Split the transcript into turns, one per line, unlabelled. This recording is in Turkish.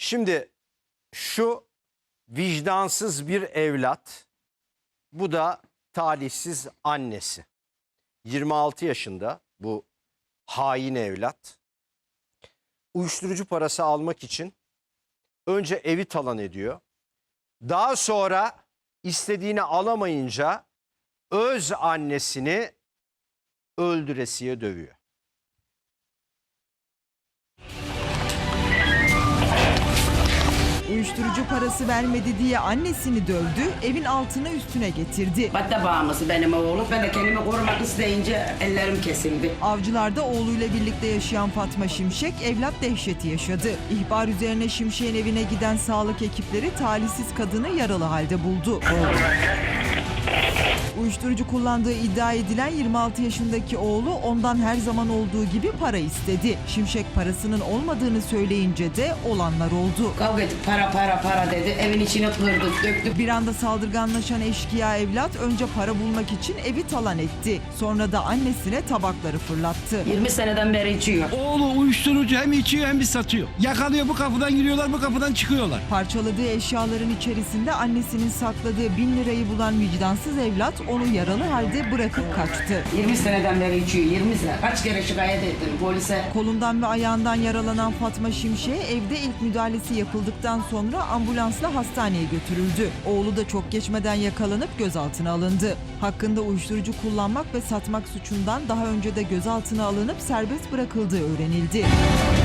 Şimdi şu vicdansız bir evlat, bu da talihsiz annesi. 26 yaşında bu hain evlat. Uyuşturucu parası almak için önce evi talan ediyor. Daha sonra istediğini alamayınca öz annesini öldüresiye dövüyor.
Uyuşturucu parası vermedi diye annesini dövdü, evin altına üstüne getirdi.
Madde bağımlısı benim oğlum. Ben de kendimi korumak isteyince ellerim kesildi.
Avcılar'da oğluyla birlikte yaşayan Fatma Şimşek evlat dehşeti yaşadı. İhbar üzerine Şimşek'in evine giden sağlık ekipleri talihsiz kadını yaralı halde buldu. Uyuşturucu kullandığı iddia edilen 26 yaşındaki oğlu ondan her zaman olduğu gibi para istedi. Şimşek parasının olmadığını söyleyince de olanlar oldu.
Kavga ettik, para dedi. Evin içine kırdık, döktük.
Bir anda saldırganlaşan eşkıya evlat önce para bulmak için evi talan etti. Sonra da annesine tabakları fırlattı.
20 seneden beri içiyor.
Oğlu uyuşturucu hem içiyor hem bir satıyor. Yakalıyor, bu kapıdan giriyorlar, bu kapıdan çıkıyorlar.
Parçaladığı eşyaların içerisinde annesinin sakladığı 1000 lirayı bulan vicdansız evlat onu yaralı halde bırakıp kaçtı.
20 seneden beri içiyor, 20 sene. Kaç kere şikayet ettim polise.
Kolundan ve ayağından yaralanan Fatma Şimşek'e evde ilk müdahalesi yapıldıktan sonra ambulansla hastaneye götürüldü. Oğlu da çok geçmeden yakalanıp gözaltına alındı. Hakkında uyuşturucu kullanmak ve satmak suçundan daha önce de gözaltına alınıp serbest bırakıldığı öğrenildi.